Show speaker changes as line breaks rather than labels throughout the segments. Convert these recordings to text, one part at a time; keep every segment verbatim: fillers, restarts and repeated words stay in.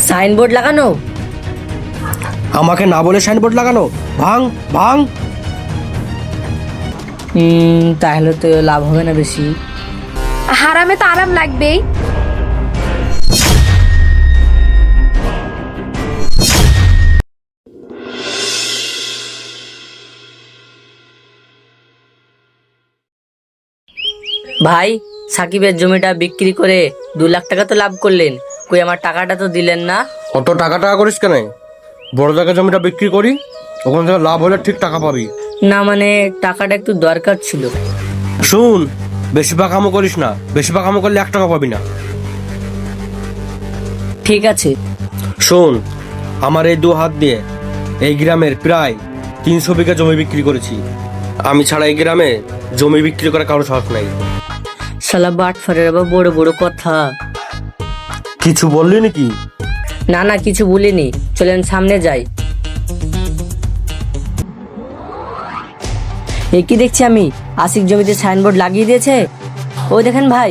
Signboard লাগানো?
আমাকে না বলে সাইনবোর্ড লাগানো? ভাঙ ভাঙ।
হুম তাহলে তো লাভ হবে না বেশি।
হারামে তো আরাম লাগবেই।
ভাই, সাকিবের জমিটা বিক্রি করে দু লাখ টাকা তো লাভ করলেন, কই আমার টাকাটা তো দিলেন না?
অত টাকা টাকা করিস কেন? বড় জায়গায় জমিটা বিক্রি করি, ওখান থেকে লাভ হলে ঠিক টাকা পাবি।
না মানে টাকাটা একটু দরকার ছিল।
শুন, বেশি পাকামো করিস না, বেশি পাকামো করলে এক টাকা পাবি না।
ঠিক আছে।
শোন, আমার এই দু হাত দিয়ে এই গ্রামের প্রায় তিনশো বিঘা জমি বিক্রি করেছি। আমি ছাড়া এই গ্রামে জমি বিক্রি করা কারো সাহস নাই।
শালা বাটফারের আবার বড় বড় কথা।
কিছু বললি নাকি?
না না কিছু বলিনি, চলেন সামনে যাই। এ কি দেখছি আমি, আশিক জমিতে সাইনবোর্ড লাগিয়ে দিয়েছে। ওই দেখেন ভাই।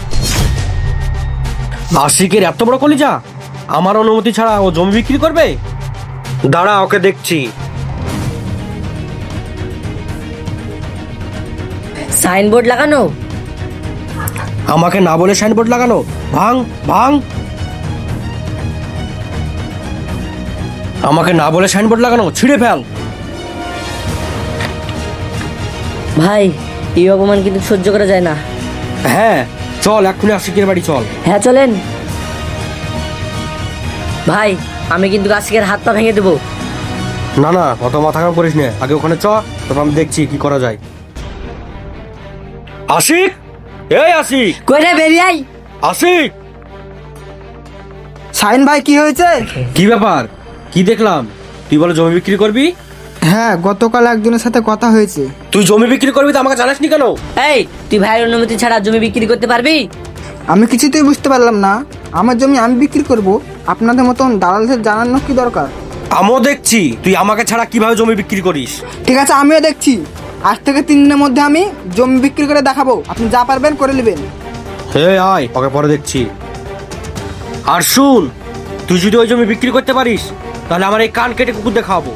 আশিকের এত বড় কলিজা, আমার অনুমতি ছাড়া ও জমি বিক্রি করবে? দাঁড়া, ওকে দেখছি।
সাইনবোর্ড লাগানো?
আমাকে না বলে সাইনবোর্ড লাগানো? ভাঙ ভাঙ। আমাকে না বলে সাইনবোর্ড লাগানো, ছিঁড়ে ফেল।
ভাই, এই অপমান কিন্তু সহ্য করা যায় না।
হ্যাঁ চল, এক্ষুনি আশিকের বাড়ি চল।
হ্যাঁ চলেন। ভাই, আমি কিন্তু আশিকের হাত পা ভেঙে দেবো।
না না, অত মাথা কাম করিস না, আগে ওখানে চ, তারপর আমি দেখছি কি করা যায়। আশিক, এই আশিক,
কই রে, বেরিয়ে আই।
আশিক।
শাহিন ভাই, কি হয়েছে?
কি ব্যাপার? কি দেখলাম? তুই বলে জমি বিক্রি করবি?
হ্যাঁ, গতকাল একজনের সাথে কথা হয়েছে।
তুই জমি বিক্রি করবি তো আমাকে জানাসনি কেন?
এই, তুই ভাইয়ের অনুমতি ছাড়া জমি বিক্রি করতে পারবি?
আমি কিছুতেই বুঝতে পারলাম না, আমার জমি আমি বিক্রি করব, আপনাদের মতন দালালদের জানানো কি দরকার?
আমিও দেখছি তুই আমাকে ছাড়া কিভাবে জমি বিক্রি করিস।
ঠিক আছে, আমিও দেখছি। আজ থেকে তিন দিনের মধ্যে আমি জমি বিক্রি করে দেখাবো, আপনি যা পারবেন করে নেবেন।
হে আয়, ওকে পরে দেখছি। আর শুন, তুই যদি ওই জমি বিক্রি করতে পারিস তাহলে আমার এই কান কেটে কুকুর দেখাবো।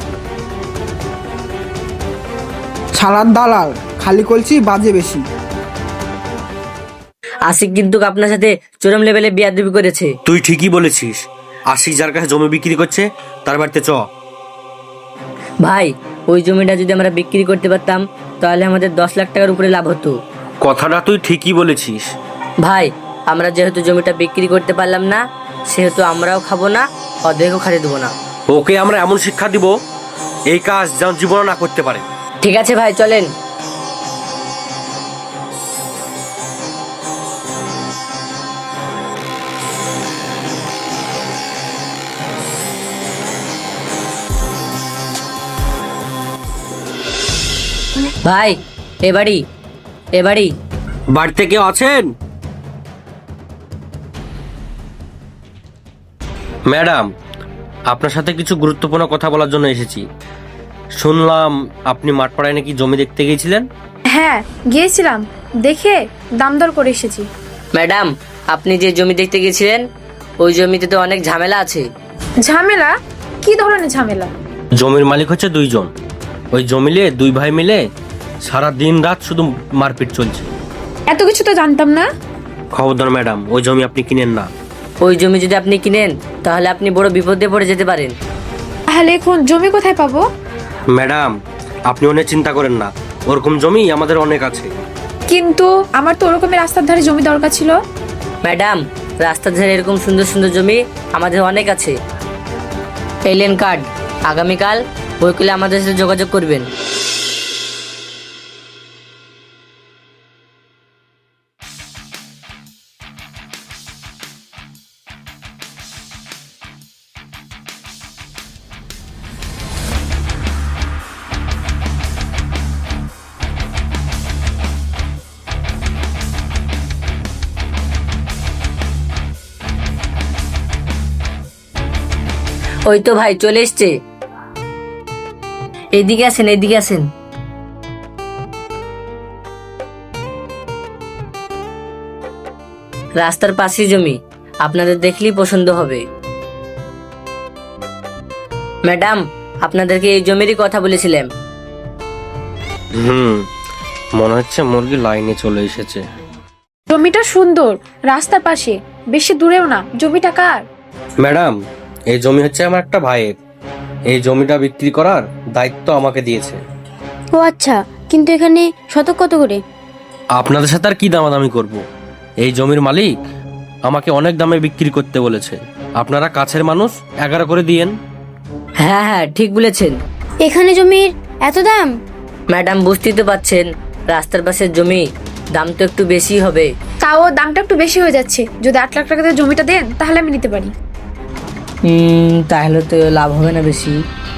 ছালার দালাল, খালি কলছি বাজে বেশি।
আশিক কিন্তু আপনার সাথে চরম লেভেলে বিয়াদবি করেছে।
তুই ঠিকই বলেছিস, আশিক যার কাছে জমি বিক্রি করছে তার বাড়িতে চ।
ভাই, ওই জমিটা যদি আমরা বিক্রি করতে পারতাম তাহলে আমাদের দশ লাখ টাকার উপরে লাভ হতো।
কথাটা তুই ঠিকই বলেছিস।
ভাই, আমরা যেহেতু জমিটা বিক্রি করতে পারলাম না, সেহেতু আমরাও খাবো না, অর্ধেকও খাতে দেবো না।
ওকে আমরা এমন শিক্ষা দিব, এই কাজ যেন জীবনে না করতে পারে।
ঠিক আছে ভাই, চলেন। ভাই, এ বাড়ি, এ বাড়ি।
বাড়িতে কেউ আছেন? ম্যাডাম, আপনার সাথে কিছু গুরুত্বপূর্ণ কথা বলার জন্য এসেছি। শুনলাম আপনি মাঠপাড়ায় নাকি জমি দেখতে গিয়েছিলেন।
হ্যাঁ গিয়েছিলাম, দেখে দাম দর করে এসেছি।
ম্যাডাম, আপনি যে জমি দেখতে গেছিলেন ওই জমিতে তো অনেক ঝামেলা আছে।
ঝামেলা? কি ধরনের ঝামেলা?
জমির মালিক হচ্ছে দুইজন, ওই জমিলে দুই ভাই মিলে সারা দিন রাত শুধু মারপিট চলছে।
এত কিছু তো জানতাম না।
খবরদার ম্যাডাম, ওই জমি আপনি কিনেন না।
ওই জমি যদি আপনি কিনেন তাহলে আপনি বড় বিপদে পড়ে যেতে পারেন।
তাহলে এখন জমি কোথায় পাবো?
ম্যাডাম, আপনি অনেক চিন্তা করেন না, ওরকম জমি আমাদের অনেক আছে।
কিন্তু আমার তো ওরকমের রাস্তার ধারে জমি দরকার ছিল।
ম্যাডাম, রাস্তার ধারে এরকম সুন্দর সুন্দর জমি আমাদের অনেক আছে। এলিয়েন কার্ড, আগামীকাল বই করলে আমাদের সাথে যোগাযোগ করবেন। ওই তো ভাই চলে এসছে। এইদিকে আসেন, এইদিকে আসেন। রাস্তার পাশেই জমি, আপনাদের দেখলেই পছন্দ হবে। ম্যাডাম, আপনাদেরকে এই জমিরই কথা বলেছিলাম।
হুম, মনে হচ্ছে মুরগি লাইনে চলে এসেছে।
জমিটা সুন্দর, রাস্তার পাশে, বেশি দূরেও না। জমিটা কার?
ম্যাডাম, এই জমি হচ্ছে আমার একটা ভাইয়ের। এই জমিটা বিক্রি করার দায়িত্ব আমাকে দিয়েছে।
ও আচ্ছা, কিন্তু এখানে শতক কত করে?
আপনাদের সাথে আর কি দামাদামি করব? এই জমির মালিক আমাকে অনেক দামে বিক্রি করতে বলেছে। আপনারা কাছের মানুষ, এগারো করে দিয়েন।
হ্যাঁ হ্যাঁ, ঠিক বলেছেন।
এখানে জমির এত দাম?
ম্যাডাম, বুঝতেই তো পাচ্ছেন, রাস্তার পাশের জমি, দাম তো একটু বেশি হবে।
তাও দামটা একটু বেশি হয়ে যাচ্ছে। যদি আট লাখ টাকা দিয়ে জমিটা দেন তাহলে আমি নিতে পারি।
হুম, তাহলে তো লাভ হবে না বেশি।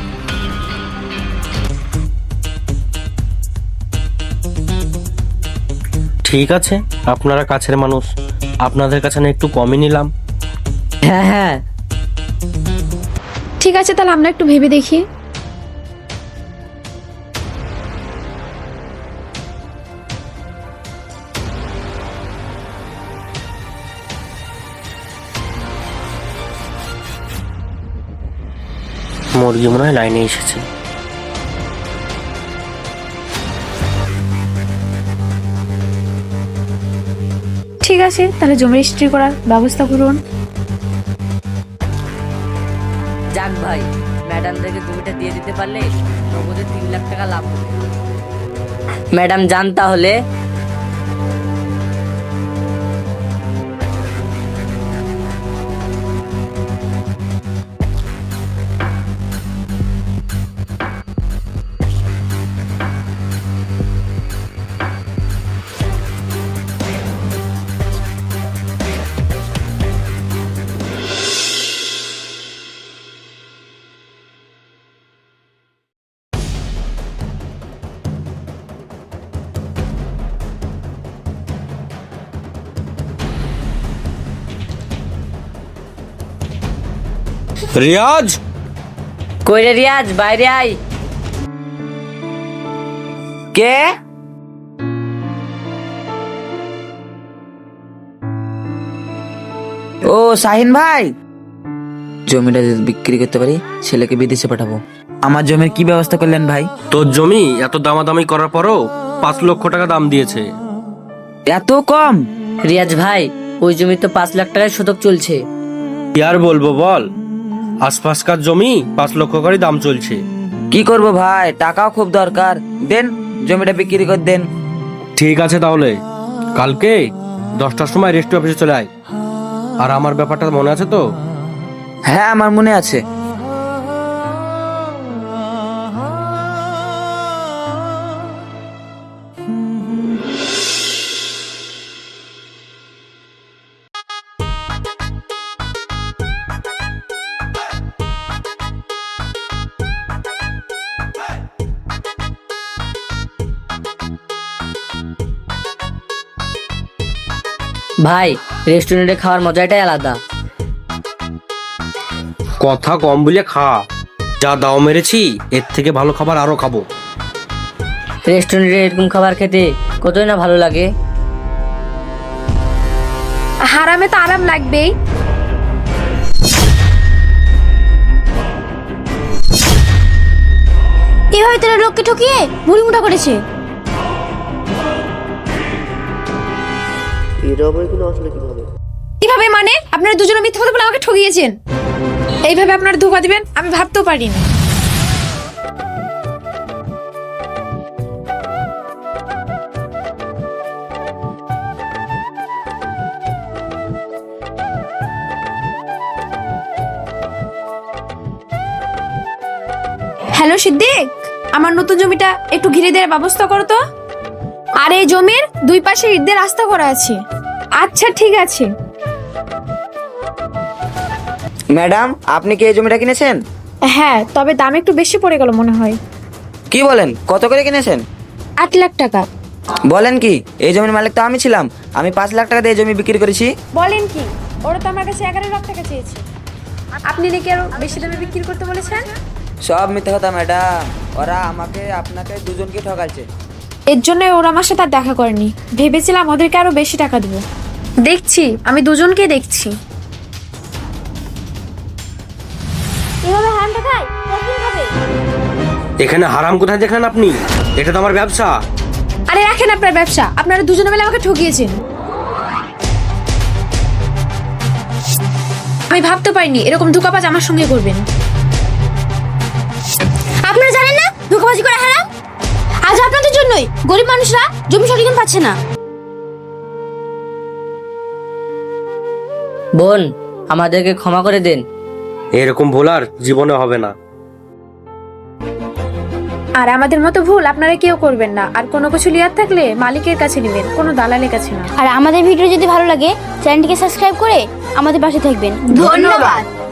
ঠিক আছে, আপনারা কাছের মানুষ, আপনাদের কাছে না একটু কমই নিলাম।
হ্যাঁ হ্যাঁ,
ঠিক আছে, তাহলে আমরা একটু ভেবে দেখি।
মুরগি মনে হয় লাইনে এসেছে।
ঠিক আছে, তাহলে জমি রেজিস্ট্রি করার ব্যবস্থা করুন।
যাক ভাই, ম্যাডামদেরকে জমিটা দিয়ে দিতে পারলে নগদে তিন লাখ টাকা লাভ হবে। ম্যাডাম, যান তাহলে।
রিয়াজ,
কই রে রিয়াজ, বাইরে আয়।
কে? ও শাহিন ভাই, জমিটা যদি বিক্রি করতে পারি ছেলেকে বিদেশে পাঠাবো। আমার জমির কি ব্যবস্থা করলেন ভাই?
তোর জমি এত দামাদামি করার পরও পাঁচ লক্ষ টাকা দাম দিয়েছে।
এত কম?
রিয়াজ ভাই, ওই জমি তো পাঁচ লাখ টাকায় শতক চলছে।
কি আর বলবো বল, আশপাশকার জমি পাঁচ লক্ষ করে দাম চলছে।
কি করব ভাই, টাকাও খুব দরকার। দেন জমিটা বিক্রি করে দেন।
ঠিক আছে, তাহলে কালকে দশটার সময় রেজিস্ট্রি অফিসে চলে আয়। আর আমার ব্যাপারটা মনে আছে তো?
হ্যাঁ, আমার মনে আছে।
ভাই, রেস্টুরেন্টে খাওয়ার মজাটাই আলাদা।
কথা কম বলে খা, যা দাও মেরেছি এর থেকে ভালো খাবার আরো খাবো।
রেস্টুরেন্টে এরকম খাবার খেতে কতই না ভালো লাগে।
হারামে তো আরাম লাগবেই।
এভাবে তারা লোককে ঠকিয়ে মুড়ি মুঠা করেছে।
কিভাবে মানে? আপনারা দুজনে মিথ্যা কথা বলে আমাকে ঠকিয়েছেন। এইভাবে আপনারা ধোকা দিবেন আমি ভাবতেও পারিনি। হ্যালো সিদ্দিক, আমার নতুন জমিটা একটু ঘিরে দেওয়ার ব্যবস্থা করো তো। আর এই জমির দুই পাশে ইট দিয়ে রাস্তা করা আছে। আচ্ছা ঠিক আছে।
ম্যাডাম, আপনি কি এই জমিটা কিনেছেন?
হ্যাঁ, তবে দাম একটু বেশি পড়ে গেল মনে হয়।
কি বলেন, কত করে কিনেছেন?
আট লাখ টাকা।
বলেন কি, এই জমির মালিক তো আমি ছিলাম। আমি পাঁচ লাখ টাকা দিয়ে এই জমি বিক্রি করেছি।
বলেন কি, ওরা তো আমার কাছে এগারো লাখ টাকা চেয়েছে। আপনি নাকি আরো বেশি দামে বিক্রি করতে বলেছেন।
সব মিথ্যে কথা ম্যাডাম, ওরা আমাকে আপনাকে দুজনকে ঠকাচ্ছে।
এর জন্য ওরা আমার সাথে আর দেখা করেনি। ভেবেছিলাম ওদেরকে আরো বেশি টাকা দেবো। দেখছি, আমি দুজনকে দেখছি।
এভাবে হারাম টাকা ভাই কতদিন খাবে?
এখানে হারাম কোথায় দেখলেন আপনি? এটা তো আমার ব্যবসা।
আরে রাখেন আপনার ব্যবসা, আপনারা দুজনে মিলে আমাকে ঠকিয়েছেন। আমি ভাবতে পারিনি এরকম ধোঁকাবাজ আমার সঙ্গে করবেন।
আপনারা জানেন না ধোঁকাবাজি করা হারাম? আজ আপনাদের জন্যই গরিব মানুষরা জমি সঠিক দাম পাচ্ছে না।
বোন, আমাদেরকে ক্ষমা করে দেন।
এরকম ভুল আর জীবনে হবে না।
আর আমাদের মতো ভুল আপনারা কেউ করবেন না। আর কোনো কিছু লিয়ার থাকলে মালিকের কাছে নেবেন, কোনো দালালের কাছে না।
আর আমাদের ভিডিও যদি ভালো লাগে চ্যানেলটিকে সাবস্ক্রাইব করে আমাদের পাশে থাকবেন। ধন্যবাদ।